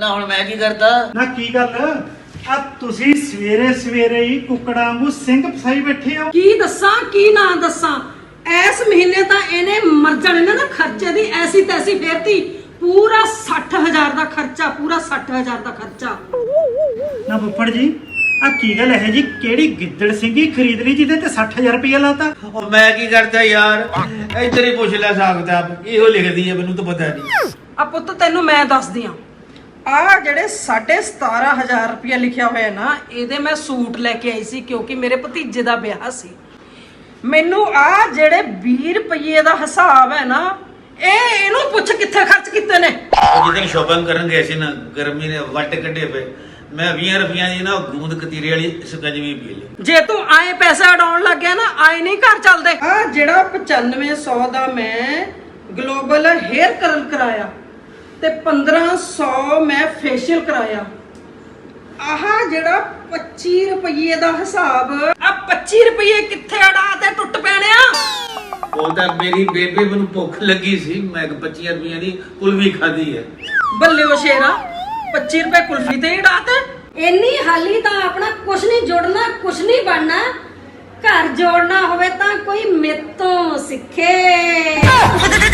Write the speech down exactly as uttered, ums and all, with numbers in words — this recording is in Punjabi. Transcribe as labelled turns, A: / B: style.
A: ना हुण मैं की करता
B: ना की गल आ तुसी सवेरे सवेरे ही कुकड़ा वांगू सिंह फसाई बैठे हो
C: की दस्सां की ना दस्सां इस महीने ਤਾਂ ਇਹਨੇ ਮਰ ਜਾਣੇ ਨੇ ਨਾ ਖਰਚੇ ਦੀ ਐਸੀ ਤੈਸੀ ਫੇਰਤੀ ਪੂਰਾ ਸੱਠ ਹਜ਼ਾਰ ਦਾ ਖਰਚਾ ਪੂਰਾ ਸੱਠ ਹਜ਼ਾਰ ਦਾ ਖਰਚਾ
B: ना फुफड़ जी आ की गल है जी केड़ी गिद्दड़ सिंगी खरीद ली जिदे ते साठ हजार रुपया लाता
A: और मैं की करता यार इधर ही पूछ ले सकता इहो लिखदी है मैनू तो पता नहीं
C: ਆ ਪੁੱਤ ਤੈਨੂੰ ਮੈਂ ਦੱਸਦੀ ਆ ਆ ਜਿਹੜੇ ਸਾਢੇ ਸਤਾਰਾਂ ਹਜ਼ਾਰ ਰੁਪਇਆ ਲਿਖਿਆ ਹੋਇਆ ਨਾ ਇਹਦੇ ਮੈਂ ਸੂਟ ਲੈ ਕੇ ਆਈ ਸੀ ਕਿਉਂਕਿ ਮੇਰੇ ਭਤੀਜੇ ਦਾ ਵਿਆਹ ਸੀ ਮੈਨੂੰ ਆ ਜਿਹੜੇ ਵੀਹ ਰੁਪਏ ਦਾ ਹਿਸਾਬ ਹੈ ਨਾ ਇਹ ਇਹਨੂੰ ਪੁੱਛ ਕਿੱਥੇ ਖਰਚ ਕੀਤੇ ਨੇ
A: जिदन शॉपिंग करन गए सी ना गर्मी ने वट कड्डे पे मैं बीस रुपया दी ना गूंद कतीरे वाली सकंजवी पी ली
C: ਜੇ ਤੂੰ ਆਏ ਪੈਸੇ ਉਡਾਉਣ ਲੱਗ ਗਿਆ ਨਾ ਆਏ ਨਹੀਂ ਘਰ ਚੱਲਦੇ ਆ ਜਿਹੜਾ ਪਚਾਨਵੇਂ ਸੌ ਦਾ ਮੈਂ ਗਲੋਬਲ ਹੇਅਰ ਕਰਲ ਕਰਾਇਆ ਤੇ ਪੰਦਰਾਂ ਸੌ ਮੈਂ ਫੇਸ਼ੀਅਲ ਕਰਾਇਆ ਆਹ ਜਿਹੜਾ ਪੱਚੀ ਰੁਪਏ ਦਾ ਹਿਸਾਬ ਆ ਪੱਚੀ ਰੁਪਏ ਕਿੱਥੇ ਅੜਾ ਤੇ ਟੁੱਟ ਪੈਣਿਆ
A: ਉਹ ਤਾਂ ਮੇਰੀ ਬੇਬੇ ਮੈਨੂੰ ਭੁੱਖ ਲੱਗੀ ਸੀ ਮੈਂ ਪੱਚੀ ਰੁਪਈਆਂ ਦੀ ਕੁਲਫੀ ਖਾਧੀ ਹੈ
C: ਬੱਲੇ ਉਹ ਸ਼ੇਰਾ ਪੱਚੀ ਰੁਪਏ ਕੁਲਫੀ ਤੇ ਅੜਾ ਤੇ
D: ਇੰਨੀ ਹਾਲੀ ਤਾਂ ਆਪਣਾ ਕੁਛ ਨਹੀਂ ਜੁੜਨਾ ਕੁਛ ਨਹੀਂ ਬਣਨਾ ਘਰ ਜੋੜਨਾ ਹੋਵੇ ਤਾਂ ਕੋਈ ਮੇਤੋਂ ਸਿੱਖੇ